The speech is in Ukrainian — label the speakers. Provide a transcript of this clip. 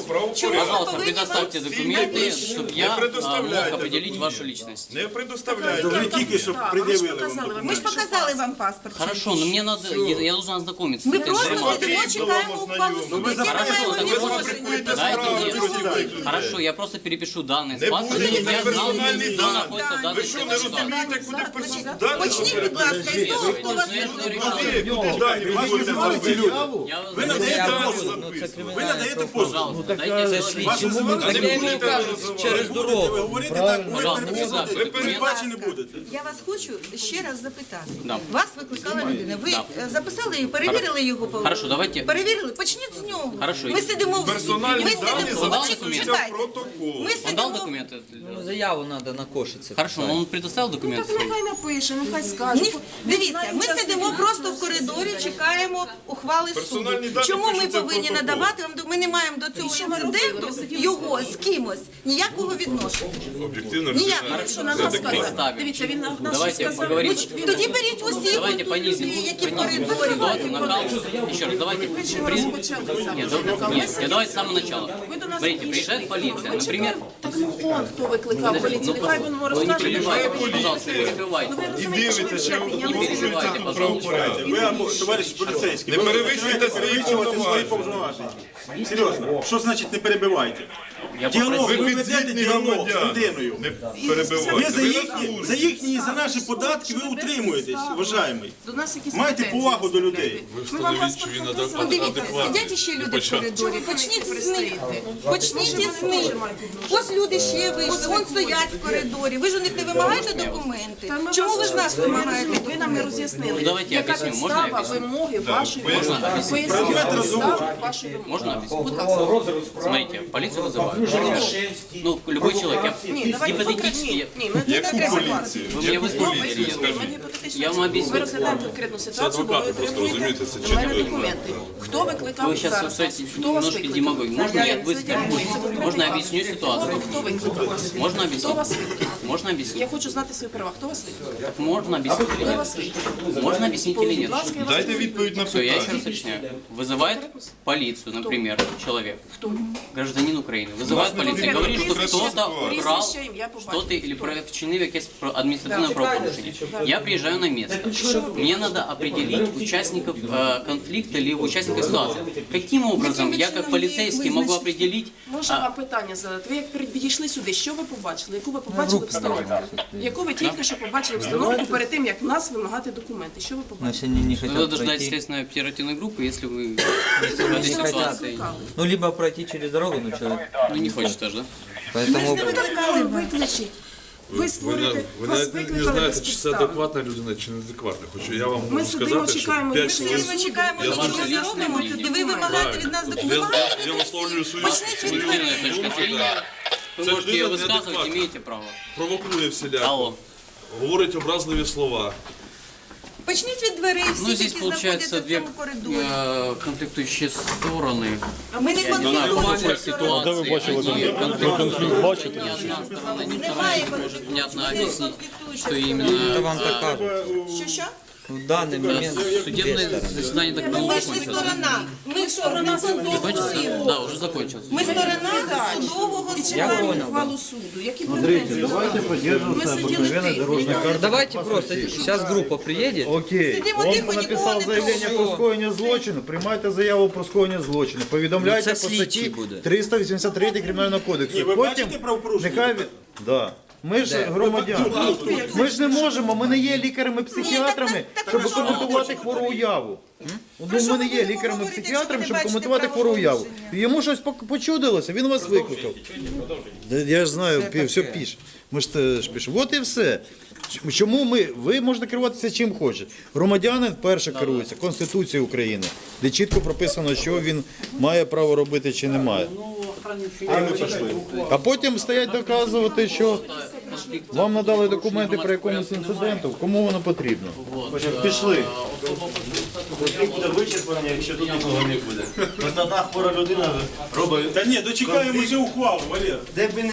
Speaker 1: Чому
Speaker 2: Пожалуйста,
Speaker 1: ви повинні
Speaker 2: предоставьте
Speaker 1: вам
Speaker 2: документы,
Speaker 1: всі
Speaker 2: чтобы я
Speaker 3: предоставляйте
Speaker 2: мог определить
Speaker 3: документи.
Speaker 2: вашу личность.
Speaker 3: Не предоставляйте.
Speaker 4: Ви тільки що пред'явили вам.
Speaker 1: Ми ж показали вам паспорт.
Speaker 2: Хорошо, но мне надо, я должен ознакомиться.
Speaker 1: Ми
Speaker 2: с этой
Speaker 1: просто
Speaker 2: информацией.
Speaker 1: сидимо, чекаємо ухвалу суду. Яке ми
Speaker 2: Хорошо,
Speaker 1: маємо
Speaker 2: так ви
Speaker 1: відношення до
Speaker 2: Дайте
Speaker 1: цього?
Speaker 2: мне.
Speaker 1: В чому ви?
Speaker 2: Хорошо, я просто перепишу данные
Speaker 3: Не
Speaker 2: с паспорта,
Speaker 3: буде
Speaker 2: чтобы я знал,
Speaker 3: персональні
Speaker 2: кто
Speaker 3: дані.
Speaker 2: находится в данной
Speaker 3: Ви що, не
Speaker 2: ситуации.
Speaker 3: розумієте, куди персональні?
Speaker 1: Почніть, будь ласка, із того, хто вас
Speaker 3: Куди дані? Ви будете
Speaker 4: Ці люди.
Speaker 2: Я
Speaker 4: Ви надаєте
Speaker 3: дані
Speaker 4: послуг.
Speaker 3: записувати.
Speaker 4: Ви надаєте послуг.
Speaker 2: Пожалуйста, дайте
Speaker 4: Вас
Speaker 2: сделать.
Speaker 4: називати
Speaker 3: Не будете
Speaker 4: через дорогу. Ви говорите так, ви
Speaker 2: Пожалуйста,
Speaker 4: переписувати.
Speaker 2: ви
Speaker 4: Ви передбачені будете.
Speaker 1: Я вас хочу ще раз запитати.
Speaker 2: Да.
Speaker 1: Вас викликала людина. Ви
Speaker 2: Да.
Speaker 1: записали її, перевірили його поведінку?
Speaker 2: Хорошо, давайте.
Speaker 1: Перевірили? Почніть з нього.
Speaker 2: Хорошо.
Speaker 1: Ми сидимо в
Speaker 3: Персональні
Speaker 1: ми
Speaker 3: дані
Speaker 1: сидимо.
Speaker 3: заносяться
Speaker 2: документи.
Speaker 3: в
Speaker 1: Чекайте.
Speaker 3: протокол.
Speaker 1: Ми
Speaker 2: Он дал
Speaker 1: сидимо.
Speaker 2: документы?
Speaker 5: Заяву треба на кошиці.
Speaker 2: Хорошо, но он предоставил документы свои?
Speaker 6: Нехай напише, нехай скаже.
Speaker 1: Ні, дивіться, ми сидимо просто в коридорі, чекаємо ухвали
Speaker 3: Персональні
Speaker 1: суду.
Speaker 3: дані
Speaker 1: Чому ми
Speaker 3: пишуться в
Speaker 1: повинні
Speaker 3: протокол.
Speaker 1: надавати вам? Ми не маємо до цього інциденту його з кимось ніякого відношення.
Speaker 3: Об'єктивно,
Speaker 1: Ніякого.
Speaker 6: Що на нас сказав?
Speaker 2: Представим.
Speaker 6: Дивіться, він на нас
Speaker 2: Давайте
Speaker 6: сказав.
Speaker 2: поговорим.
Speaker 1: Тоді беріть усіх
Speaker 2: Давайте
Speaker 1: тут
Speaker 2: понизим,
Speaker 1: людей, які в
Speaker 2: понизим
Speaker 1: коридорі.
Speaker 2: ситуацию, накал. Еще раз, давайте. Нет, давайте с самого начала. Смотрите, приезжает полиция, например.
Speaker 6: Так ну он, хто викликав поліцію, нехай він
Speaker 2: Вы не
Speaker 6: розкаже.
Speaker 2: перебивайте, пожалуйста, не перебивайте.
Speaker 3: І дивиться, чи порушується тут правопорядок.
Speaker 4: Ви або товариш поліцейський.
Speaker 3: Не
Speaker 4: ви
Speaker 3: перевищуйте
Speaker 4: починаєте
Speaker 3: свої
Speaker 4: перевищувати свої
Speaker 3: повноваження.
Speaker 4: повноваження. Серйозно, що значить не перебивайте?
Speaker 2: Я
Speaker 4: Діалог,
Speaker 2: попросил.
Speaker 4: ви
Speaker 3: Ви
Speaker 4: ведете
Speaker 3: підзвітні
Speaker 4: діалог з
Speaker 3: громадян.
Speaker 4: людиною.
Speaker 3: Не
Speaker 4: Ви
Speaker 3: перебивайте.
Speaker 4: за їхні, і за наші податки ви утримуєтесь, вважаємий.
Speaker 6: До нас якісь
Speaker 4: Майте
Speaker 6: претензії
Speaker 4: повагу до
Speaker 6: виставляєте.
Speaker 4: людей.
Speaker 6: Ми вам паспорт показали.
Speaker 1: Дивіться, сидять ще люди в коридорі. Почніть з них. Почніть із них. Ось люди ще вийшли, вон стоять в коридорі. Ви ж у них не вимагаєте документи?
Speaker 6: Та ми
Speaker 1: Чому ви з нас вимагаєте?
Speaker 6: Ви нам не роз'яснили,
Speaker 2: Ну, давайте я
Speaker 6: яка
Speaker 2: об'ясню. Можна я
Speaker 6: підстава
Speaker 2: об'ясню?
Speaker 6: вимоги вашої вимоги.
Speaker 2: об'яснити?
Speaker 6: Поясніть підставу вашої вимоги.
Speaker 2: Можно объяснить? Смотрите, полицию вызывают. Ну, любой человек.
Speaker 6: Ні, давайте
Speaker 2: Гипотетически,
Speaker 6: конкретно. Ні, ми не
Speaker 3: Яку
Speaker 6: треба
Speaker 3: поліцію?
Speaker 2: вы мне выслушаете. Я вам объясню.
Speaker 6: Ми розглядаємо конкретну ситуацію, бо ви отримуєте до мене документи. Хто викликав
Speaker 2: Вы сейчас,
Speaker 6: зараз?
Speaker 2: кстати,
Speaker 6: Хто вас
Speaker 2: немножко
Speaker 6: викликав?
Speaker 2: демагогия. Можно я быстро?
Speaker 6: Це
Speaker 2: Можно я объясню ситуацию?
Speaker 6: Хто викликав вас?
Speaker 2: Можно
Speaker 6: Хто
Speaker 2: объяснить?
Speaker 6: вас викликав?
Speaker 2: Можно
Speaker 6: Я
Speaker 2: объяснить?
Speaker 6: хочу знати свої права. Хто вас викликав?
Speaker 2: Так можно объяснить или
Speaker 6: Хто
Speaker 2: нет?
Speaker 6: вас викликав?
Speaker 2: Можно объяснить или
Speaker 6: Будь
Speaker 2: нет?
Speaker 6: ласка, я вас
Speaker 3: Дайте відповідь на
Speaker 2: Все, я еще
Speaker 3: питання.
Speaker 2: раз уточняю. Вызывает полицию, например, человек,
Speaker 6: Хто?
Speaker 2: гражданин Украины, вызывает полицию и говорит, что кто-то украл
Speaker 6: Прізвище, ім'я, по батькові.
Speaker 2: что-то или вчинив якесь административное правопорушение. Я приезжаю на место. Мне надо определить участников конфликта или участников ситуации. Каким образом я как полицейский могу определить?
Speaker 6: Можна вам питання задати? Ви як підійшли сюди, що ви побачили? Яку ви побачили обстановку? Яку ви тільки що побачили обстановку перед тим, як нас вимагати документи? Що ви побачили?
Speaker 5: Значит, они не хотят
Speaker 2: Надо ждать
Speaker 5: пройти.
Speaker 2: следственной оперативной группы, если вы в этой
Speaker 6: Що вас
Speaker 2: ситуации
Speaker 6: викликали?
Speaker 5: Ну, либо пройти через дорогу, ну, человек.
Speaker 2: ну, не хочет аж, да?
Speaker 5: Поэтому
Speaker 6: Викликали, викличіть. Ви створите,
Speaker 7: Ви
Speaker 6: вас
Speaker 7: навіть не
Speaker 6: викликали
Speaker 7: знаєте,
Speaker 6: без
Speaker 7: чи це
Speaker 6: підстав.
Speaker 7: адекватна людина, чи неадекватна. Хочу я вам
Speaker 6: Ми
Speaker 7: можу
Speaker 6: сидимо,
Speaker 7: сказати, що
Speaker 6: чекаємо,
Speaker 7: 5
Speaker 6: ми
Speaker 7: чоловік...
Speaker 1: Ми чекаємо,
Speaker 7: Я
Speaker 1: нічого
Speaker 7: знаю,
Speaker 1: не робимо. І ви вимагаєте від нас документи.
Speaker 7: Я висловлюю свою
Speaker 2: Субъективная точка зрения. Вы
Speaker 7: Це
Speaker 2: можете ее
Speaker 7: людина
Speaker 2: высказывать,
Speaker 7: неадекватна.
Speaker 2: имеете право.
Speaker 7: провокує всіляко,
Speaker 2: Алло.
Speaker 7: говорить образливі слова.
Speaker 1: Почніть від дверей
Speaker 2: Ну,
Speaker 1: всіх,
Speaker 2: здесь
Speaker 1: які
Speaker 2: получается
Speaker 1: знаходяться в
Speaker 2: две
Speaker 1: цьому коридорі.
Speaker 2: конфликтующие стороны.
Speaker 1: Ми не
Speaker 2: На
Speaker 1: конфліктуємо.
Speaker 2: такой ситуации они конфликтуют. Ни одна сторона, ни вторая не может внятно объяснить, что именно
Speaker 5: вам так
Speaker 1: Що?
Speaker 5: в данный момент
Speaker 2: судебное заседание так
Speaker 1: Ми
Speaker 2: было
Speaker 1: ж не
Speaker 2: закончилось.
Speaker 1: сторона. Ми сторона судового
Speaker 2: Закончится?
Speaker 1: суду.
Speaker 2: Да, уже закончилось.
Speaker 1: Ми сторона судового суду.
Speaker 6: Чекаємо ухвалу суду. Які претензії?
Speaker 8: Давайте поддерживаться обыкновенной дорожной карты.
Speaker 5: Давайте просто, сейчас группа приедет.
Speaker 8: Окей,
Speaker 1: Сидимо
Speaker 8: он
Speaker 1: тихо,
Speaker 8: написав
Speaker 1: нікого не
Speaker 8: заявлення
Speaker 1: трогай.
Speaker 8: про скоєння злочину, приймайте заяву про скоєння злочину, повідомляйте
Speaker 5: Ну,
Speaker 8: по
Speaker 5: це слідчий
Speaker 8: статті
Speaker 5: буде.
Speaker 8: 383 Кримінального кодексу.
Speaker 4: Ні, ви
Speaker 8: Потім
Speaker 4: бачите правопорушення?
Speaker 8: нехай да. Ми ж громадяни. Ми ж не можемо, ми не є лікарями-психіатрами, щоб коментувати хвору уяву. Ну, ми не є лікарями-психіатрами, щоб коментувати хвору уяву. Йому щось почудилося, він вас викликав. Я ж знаю, все пише. Ми ж теж пишемо. От і все. Чому ви можете керуватися чим хочете. Громадянин перше керується Конституцією України, де чітко прописано, що він має право робити чи не має. А потім стоять доказувати, що вам надали документи про якомусь інциденту, кому воно потрібно.
Speaker 9: Пішли. Буде вичерпання, якщо тут нікого не буде. Просто одна хвора людина робить.
Speaker 4: Та ні, дочекаємо вже ухвалу, Валер.
Speaker 9: Де б він